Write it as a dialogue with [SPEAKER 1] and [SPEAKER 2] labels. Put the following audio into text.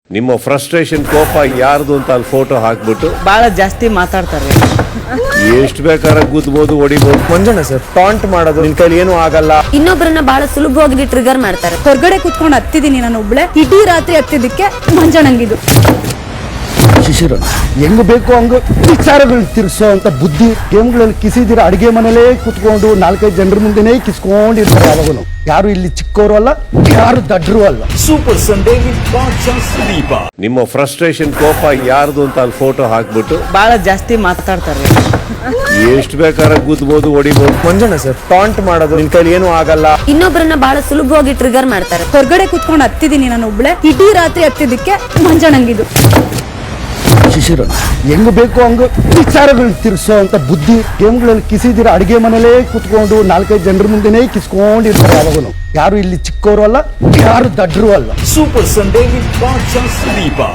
[SPEAKER 1] ನಿಮ್ಮ ಫ್ರಸ್ಟ್ರೇಷನ್ ಕೋಪ ಯಾರ್ದು ಅಂತ ಅಲ್ಲಿ ಫೋಟೋ ಹಾಕ್ಬಿಟ್ಟು
[SPEAKER 2] ಬಹಳ ಜಾಸ್ತಿ ಮಾತಾಡ್ತಾರೆ.
[SPEAKER 1] ಎಷ್ಟು ಬೇಕಾದ್ರೆ ಗುದ್ಬೋದು ಹೊಡಿಬೋದು.
[SPEAKER 3] ಮಂಜಣ್ಣ ಸರ್ ಟಾಂಟ್ ಮಾಡೋದು ನಿನ್ ಕೈಲಿ ಏನೂ ಆಗಲ್ಲ.
[SPEAKER 4] ಇನ್ನೊಬ್ಬರನ್ನ ಬಹಳ ಸುಲಭವಾಗಿ ಟ್ರಿಗರ್ ಮಾಡ್ತಾರೆ.
[SPEAKER 5] ಹೊರಗಡೆ ಕುತ್ಕೊಂಡು ಹತ್ತಿದ್ದೀನಿ ನಾನು ಒಬ್ಳೆ, ಇಡೀ ರಾತ್ರಿ ಹತ್ತಿದ್ದಕ್ಕೆ ಮಂಜಣ್ಣಂಗಿದು.
[SPEAKER 6] ಶಿಶಿರ ಹೆಂಗ್ ಬೇಕು ಹಂಗ ವಿಚಾರಗಳು ತಿರ್ಸೋ ಅಂತ ಬುದ್ಧಿ ಗೇಮ್ಗಳಲ್ಲಿ ಕಿಸಿದಿರ ಅಡಿಗೆ ಮನೇಲೇ ಕುತ್ಕೊಂಡು 4-5 ಜನರ ಮುಂದೆನೇ ಕಿಸ್ಕೊಂಡಿರ್ತಾರೆ. ಯಾವಾಗನು ಯಾರು ಇಲ್ಲಿ ಚಿಕ್ಕವರು ಅಲ್ಲ, ಯಾರು ದಡ್ರು ಅಲ್ಲ.
[SPEAKER 7] Super Sunday with Badshah Sudeep.
[SPEAKER 1] ನಿಮ್ಮ ಫ್ರಸ್ಟ್ರೇಷನ್ ಕೋಪ ಯಾರ್ದು ಅಂತ ಅಲ್ಲಿ ಫೋಟೋ ಹಾಕ್ಬಿಟ್ಟು
[SPEAKER 2] ಬಹಳ ಜಾಸ್ತಿ ಮಾತಾಡ್ತಾರೆ.
[SPEAKER 1] ಎಷ್ಟು ಬೇಕಾದ್ರೆ ಗುದ್ಬೋದು ಹೊಡಿಬೋದು.
[SPEAKER 3] ಮಂಜಣ್ಣ ಸರ್ ಟಾಂಟ್ ಮಾಡೋದು ನಿನ್ ಕೈಲಿ ಏನೂ ಆಗಲ್ಲ.
[SPEAKER 4] ಇನ್ನೊಬ್ಬರನ್ನ ಬಹಳ ಸುಲಭವಾಗಿ ಟ್ರಿಗರ್ ಮಾಡ್ತಾರೆ.
[SPEAKER 5] ಹೊರಗಡೆ ಕುತ್ಕೊಂಡು ಹತ್ತಿದ್ದೀನಿ ನಾನು ಒಬ್ಳೆ, ಇಡೀ ರಾತ್ರಿ ಹತ್ತಿದ್ದಕ್ಕೆ ಮಂಜಣ್ಣಂಗಿದು.
[SPEAKER 6] ಶಿಶಿರ ಹೆಂಗ್ ಬೇಕು ಹಂಗ ವಿಚಾರಗಳು ತಿರ್ಸೋ ಅಂತ ಬುದ್ಧಿ ಗೇಮ್ಗಳಲ್ಲಿ ಕಿಸಿದಿರ ಅಡಿಗೆ ಮನೇಲೇ ಕುತ್ಕೊಂಡು 4-5 ಜನರ ಮುಂದೆನೇ ಕಿಸ್ಕೊಂಡಿರ್ತಾರೆ. ಯಾವಾಗನು ಯಾರು ಇಲ್ಲಿ ಚಿಕ್ಕವರು ಅಲ್ಲ, ಯಾರು ದಡ್ರು ಅಲ್ಲ.
[SPEAKER 7] Super Sunday with Badshah Sudeep.